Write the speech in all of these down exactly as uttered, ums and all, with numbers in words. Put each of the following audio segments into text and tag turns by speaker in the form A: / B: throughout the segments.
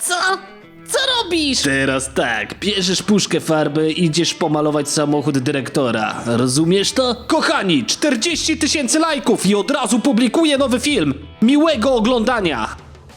A: Co? Co robisz?
B: Teraz tak, bierzesz puszkę farby i idziesz pomalować samochód dyrektora. Rozumiesz to? Kochani, czterdzieści tysięcy lajków i od razu publikuję nowy film. Miłego oglądania!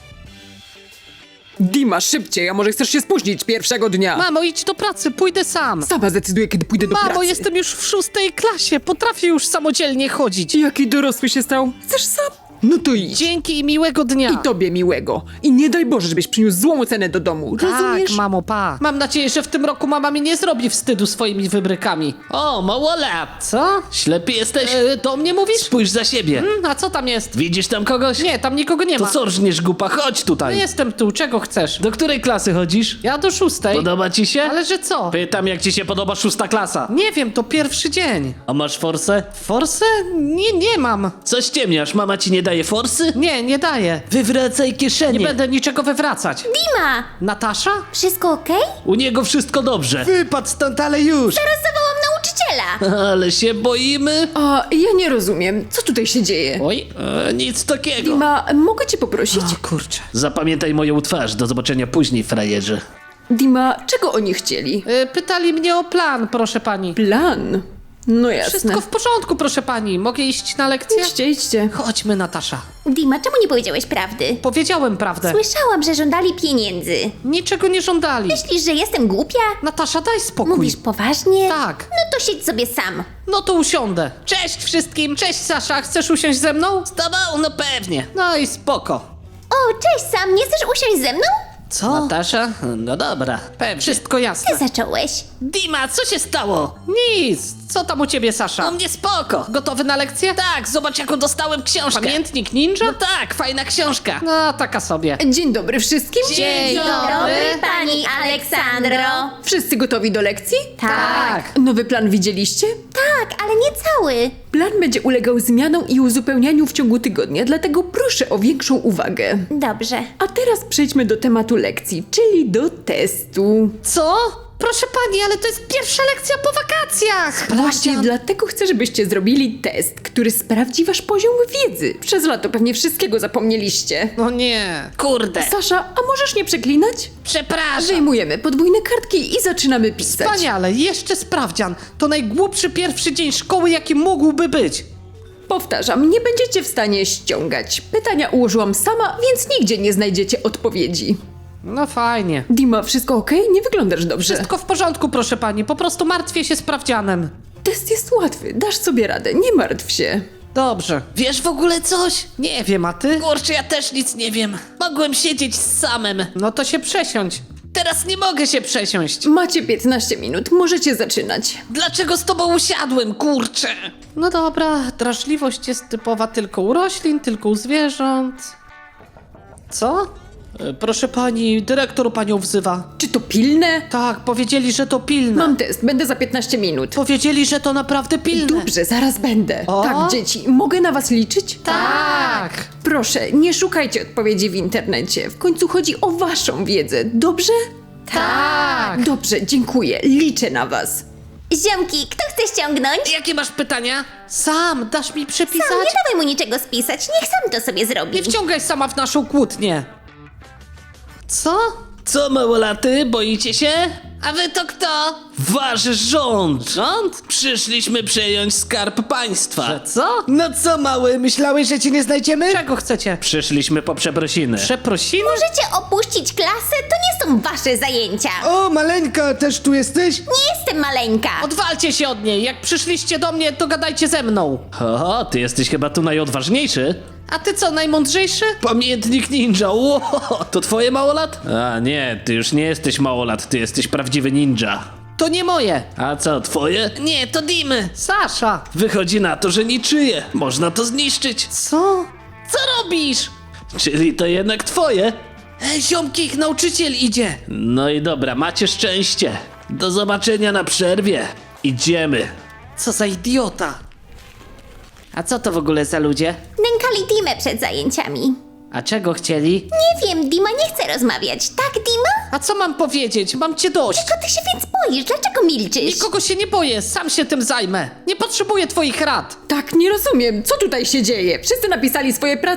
C: Dima, szybciej, a może chcesz się spóźnić pierwszego dnia?
A: Mamo, idź do pracy, pójdę sam.
C: Sama zdecyduję, kiedy pójdę do
A: Mamo,
C: pracy.
A: jestem już w szóstej klasie, potrafię już samodzielnie chodzić.
C: Jaki dorosły się stał? Chcesz sam? No to idź.
A: Dzięki i miłego dnia.
C: I tobie miłego. I nie daj Boże, żebyś przyniósł złą cenę do domu. Rozumiesz?
A: Tak, mamo, pa. Mam nadzieję, że w tym roku mama mi nie zrobi wstydu swoimi wybrykami.
B: O, małolat!
A: Co?
B: Ślepy jesteś?
A: E, do mnie mówisz?
B: Spójrz za siebie.
A: Hmm, a co tam jest?
B: Widzisz tam kogoś?
A: Nie, tam nikogo nie
B: To
A: ma.
B: co rżniesz, głupa? Chodź
A: No
B: tutaj.
A: jestem tu, czego chcesz?
B: Do której klasy chodzisz?
A: Ja do szóstej.
B: Podoba ci się?
A: Ale że co?
B: Pytam, jak ci się podoba szósta klasa.
A: Nie wiem, to pierwszy dzień.
B: A masz forsę?
A: Forsę? Nie, nie mam.
B: Coś ciemniasz, mama ci nie daje forsy?
A: Nie, nie daję.
B: Wywracaj kieszenie.
A: Nie będę niczego wywracać.
D: Dima!
A: Natasza?
D: Wszystko okej?
B: U niego wszystko dobrze. Wypadł stąd, ale już.
D: Teraz zawołam nauczyciela!
B: Ale się boimy.
C: A, ja nie rozumiem. Co tutaj się dzieje?
A: Oj.
B: E, nic takiego.
C: Dima, mogę cię poprosić?
A: O kurczę.
B: Zapamiętaj moją twarz, do zobaczenia później, frajerze.
C: Dima, czego oni chcieli?
A: Y, pytali mnie o plan, proszę pani.
C: Plan. No jasne.
A: Wszystko w porządku, proszę pani. Mogę iść na lekcję?
C: Idźcie, idźcie.
A: Chodźmy, Natasza.
D: Dima, czemu nie powiedziałeś prawdy?
A: Powiedziałem prawdę.
D: Słyszałam, że żądali pieniędzy.
A: Niczego nie żądali.
D: Myślisz, że jestem głupia?
A: Natasza, daj spokój.
D: Mówisz poważnie?
A: Tak.
D: No to siedź sobie sam.
A: No to usiądę. Cześć wszystkim. Cześć, Sasza. Chcesz usiąść ze mną?
B: Z tobą? No pewnie.
A: No i spoko.
D: O, cześć Sam, nie chcesz usiąść ze mną?
A: Co?
B: Natasza? No dobra.
A: Pewnie. Wszystko jasne.
D: Ty zacząłeś.
B: Dima, co się stało?
A: Nic. Co tam u ciebie, Sasza?
B: U mnie spoko.
A: Gotowy na lekcję?
B: Tak, zobacz jaką dostałem książkę.
A: Pamiętnik ninja?
B: No tak, fajna książka.
A: No, taka sobie.
C: Dzień dobry wszystkim.
A: Dzień
D: dobry, pani Aleksandro.
C: Wszyscy gotowi do lekcji?
D: Tak.
C: Nowy plan widzieliście?
D: Tak, ale nie cały.
C: Plan będzie ulegał zmianom i uzupełnianiu w ciągu tygodnia, dlatego proszę o większą uwagę.
D: Dobrze.
C: A teraz przejdźmy do tematu lekcji, czyli do testu.
A: Co? Proszę pani, ale to jest pierwsza lekcja po wakacjach.
C: Właśnie dlatego chcę, żebyście zrobili test, który sprawdzi wasz poziom wiedzy. Przez lato pewnie wszystkiego zapomnieliście.
A: No nie.
B: Kurde.
C: Sasza, a możesz nie przeklinać?
B: Przepraszam.
C: Wyjmujemy podwójne kartki i zaczynamy pisać.
A: Wspaniale, jeszcze sprawdzian. To najgłupszy pierwszy dzień szkoły, jaki mógłby być.
C: Powtarzam, nie będziecie w stanie ściągać. Pytania ułożyłam sama, więc nigdzie nie znajdziecie odpowiedzi.
A: No fajnie.
C: Dima, wszystko okej? Nie wyglądasz dobrze.
A: Wszystko w porządku, proszę pani. Po prostu martwię się sprawdzianem.
C: Test jest łatwy, dasz sobie radę, nie martw się.
A: Dobrze.
B: Wiesz w ogóle coś?
A: Nie wiem, a ty?
B: Kurczę, ja też nic nie wiem. Mogłem siedzieć z samym.
A: No to się przesiądź.
B: Teraz nie mogę się przesiąść.
C: Macie piętnaście minut, możecie zaczynać.
B: Dlaczego z tobą usiadłem, kurczę?
A: No dobra, drażliwość jest typowa tylko u roślin, tylko u zwierząt. Co? E, Proszę pani, dyrektor panią wzywa.
C: Czy to pilne?
A: Tak, powiedzieli, że to pilne.
C: Mam test, będę za piętnaście minut.
A: Powiedzieli, że to naprawdę pilne.
C: Dobrze, zaraz będę.
A: O?
C: Tak, dzieci, mogę na was liczyć?
A: Tak.
C: Proszę, nie szukajcie odpowiedzi w internecie. W końcu chodzi o waszą wiedzę, dobrze?
A: Tak.
C: Dobrze, dziękuję. Liczę na was.
D: Ziomki, kto chce ściągnąć?
B: Jakie masz pytania?
A: Sam, dasz mi przepisać?
D: Sam, nie dawaj mu niczego spisać, niech sam to sobie zrobi.
A: Nie wciągaj sama w naszą kłótnię. Co?
B: Co, małolaty, boicie się? A wy to kto? Wasz rząd!
A: Rząd?
B: Przyszliśmy przejąć skarb państwa.
A: Że co?
E: No co mały, myślałeś, że cię nie znajdziemy?
A: Czego chcecie?
B: Przyszliśmy po przeprosiny.
A: Przeprosiny?
D: Możecie opuścić klasę? To nie są wasze zajęcia.
E: O, maleńka, też tu jesteś?
D: Nie jestem maleńka.
A: Odwalcie się od niej. Jak przyszliście do mnie, to gadajcie ze mną.
B: Oho, ty jesteś chyba tu najodważniejszy.
A: A ty co, najmądrzejszy?
B: Pamiętnik ninja, ło, to twoje małolat? A nie, ty już nie jesteś małolat, ty jesteś prawdziwy ninja.
A: To nie moje.
B: A co, twoje? Nie, to Dimy.
A: Sasza.
B: Wychodzi na to, że niczyje. Można to zniszczyć.
A: Co?
B: Co robisz? Czyli to jednak twoje? Ej, ziomki, ich nauczyciel idzie. No i dobra, macie szczęście. Do zobaczenia na przerwie. Idziemy.
A: Co za idiota. A co to w ogóle za ludzie?
D: Nękali Dimę przed zajęciami.
A: A czego chcieli?
D: Nie wiem, Dima nie chce rozmawiać. Tak, Dima?
A: A co mam powiedzieć? Mam cię dość.
D: Czego ty się więc boisz? Dlaczego milczysz?
A: Nikogo się nie boję, sam się tym zajmę. Nie potrzebuję twoich rad.
C: Tak, nie rozumiem, co tutaj się dzieje? Wszyscy napisali swoje prace?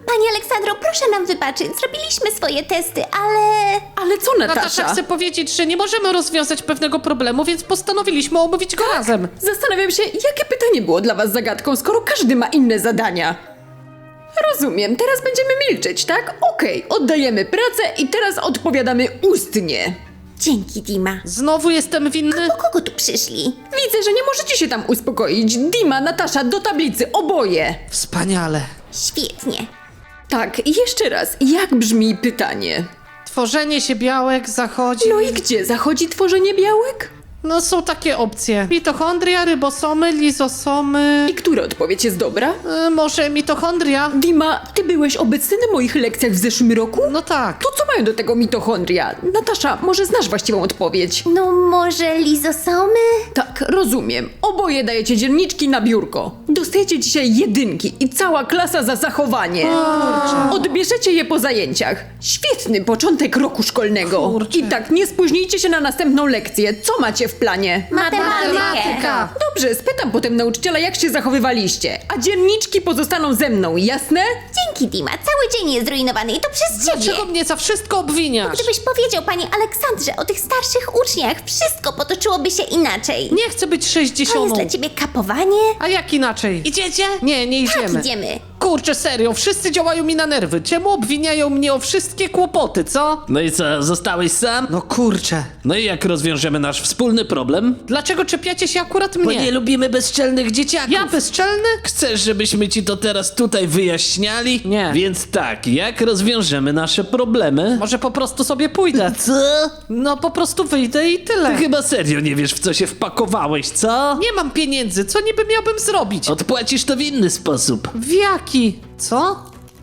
D: Pani Aleksandro, proszę nam wybaczyć. Zrobiliśmy swoje testy, ale...
C: Ale co, Natasza?
A: Natasza chce powiedzieć, że nie możemy rozwiązać pewnego problemu, więc postanowiliśmy omówić go razem.
C: Zastanawiam się, jakie pytanie było dla was zagadką, skoro każdy ma inne zadania. Rozumiem, teraz będziemy milczeć, tak? Okej, oddajemy pracę i teraz odpowiadamy ustnie.
D: Dzięki, Dima.
A: Znowu jestem winny?
D: Po kogo tu przyszli?
C: Widzę, że nie możecie się tam uspokoić. Dima, Natasza, do tablicy, oboje.
A: Wspaniale.
D: Świetnie.
C: Tak, jeszcze raz, jak brzmi pytanie?
A: Tworzenie się białek zachodzi...
C: No i gdzie zachodzi tworzenie białek?
A: No są takie opcje. Mitochondria, rybosomy, lizosomy...
C: I która odpowiedź jest dobra?
A: Y, może mitochondria?
C: Dima, ty byłeś obecny na moich lekcjach w zeszłym roku?
A: No tak.
C: To co mają do tego mitochondria? Natasza, może znasz właściwą odpowiedź?
D: No może lizosomy?
C: Tak, rozumiem. Oboje dajecie dzienniczki na biurko. Dostajecie dzisiaj jedynki i cała klasa za zachowanie. Odbierzecie je po zajęciach. Świetny początek roku szkolnego.
A: Kurczę.
C: I tak, nie spóźnijcie się na następną lekcję. Co macie w planie?
D: Matematykę.
C: Dobrze, spytam potem nauczyciela, jak się zachowywaliście. A dzienniczki pozostaną ze mną, jasne?
D: Dzięki, Dima. Cały dzień jest zrujnowany i to przez ciebie.
A: Dlaczego mnie za wszystko obwiniasz?
D: Gdybyś powiedział pani Aleksandrze o tych starszych uczniach, wszystko potoczyłoby się inaczej.
A: Nie chcę być
D: To jest
A: sześćdziesiątą.
D: dla ciebie kapowanie?
A: A jak inaczej?
D: Idziecie?
A: Nie, nie
D: Tak,
A: idziemy.
D: idziemy.
A: Kurczę, serio, wszyscy działają mi na nerwy. Czemu obwiniają mnie o wszystkie kłopoty, co?
B: No i co, zostałeś sam?
A: No kurczę.
B: No i jak rozwiążemy nasz wspólny problem?
A: Dlaczego czepiacie się akurat
B: Bo
A: mnie?
B: nie lubimy bezczelnych dzieciaków.
A: Ja bezczelny?
B: Chcesz, żebyśmy ci to teraz tutaj wyjaśniali?
A: Nie.
B: Więc tak, jak rozwiążemy nasze problemy?
A: Może po prostu sobie pójdę.
B: Co?
A: No po prostu wyjdę i tyle.
B: Ty chyba serio nie wiesz, w co się wpakowałeś, co?
A: Nie mam pieniędzy, co niby miałbym zrobić?
B: Odpłacisz to w inny sposób.
A: W jaki? Co?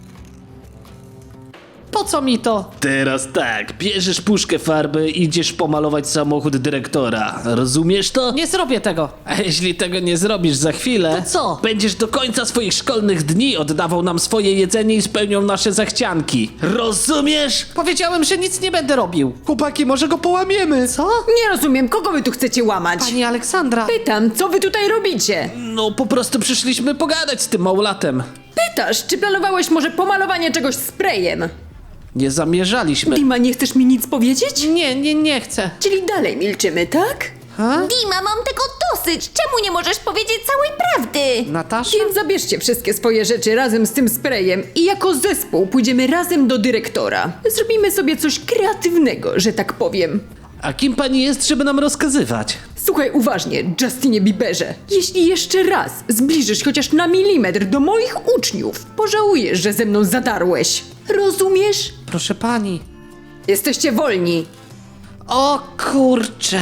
A: Po co mi to?
B: Teraz tak, bierzesz puszkę farby i idziesz pomalować samochód dyrektora. Rozumiesz to?
A: Nie zrobię tego.
B: A jeśli tego nie zrobisz za chwilę,
A: To co?
B: Będziesz do końca swoich szkolnych dni oddawał nam swoje jedzenie i spełniał nasze zachcianki. Rozumiesz?
A: Powiedziałem, że nic nie będę robił.
E: Chłopaki, może go połamiemy?
A: Co?
C: Nie rozumiem, kogo wy tu chcecie łamać?
A: Pani Aleksandra.
C: Pytam, co wy tutaj robicie?
B: No po prostu przyszliśmy pogadać z tym małolatem.
C: Pytasz, czy planowałeś może pomalowanie czegoś sprayem?
B: Nie zamierzaliśmy.
C: Dima, nie chcesz mi nic powiedzieć?
A: Nie, nie, nie chcę.
C: Czyli dalej milczymy, tak?
A: Ha?
D: Dima, mam tego dosyć. Czemu nie możesz powiedzieć całej prawdy?
A: Natasza?
C: Więc zabierzcie wszystkie swoje rzeczy razem z tym sprayem i jako zespół pójdziemy razem do dyrektora. Zrobimy sobie coś kreatywnego, że tak powiem.
B: A kim pani jest, żeby nam rozkazywać?
C: Słuchaj uważnie, Justinie Bieberze. Jeśli jeszcze raz zbliżysz chociaż na milimetr do moich uczniów, pożałujesz, że ze mną zadarłeś. Rozumiesz?
A: Proszę pani.
C: Jesteście wolni.
A: O kurcze.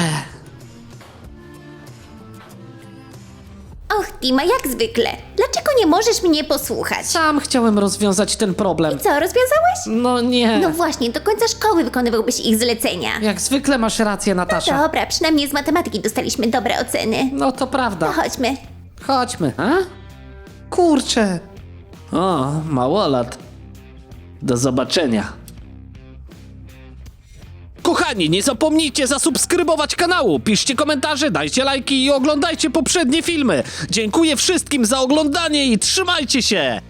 D: Och, Dima, jak zwykle. Dlaczego nie możesz mnie posłuchać?
A: Sam chciałem rozwiązać ten problem.
D: Co, rozwiązałeś?
A: No nie.
D: No właśnie, do końca szkoły wykonywałbyś ich zlecenia.
A: Jak zwykle masz rację, Natasza.
D: Dobra, przynajmniej z matematyki dostaliśmy dobre oceny.
A: No to
D: To
A: prawda.
D: chodźmy.
A: Chodźmy. A? Kurczę.
B: O, małolat. Do zobaczenia. Kochani, nie zapomnijcie zasubskrybować kanału, piszcie komentarze, dajcie lajki i oglądajcie poprzednie filmy. Dziękuję wszystkim za oglądanie i trzymajcie się!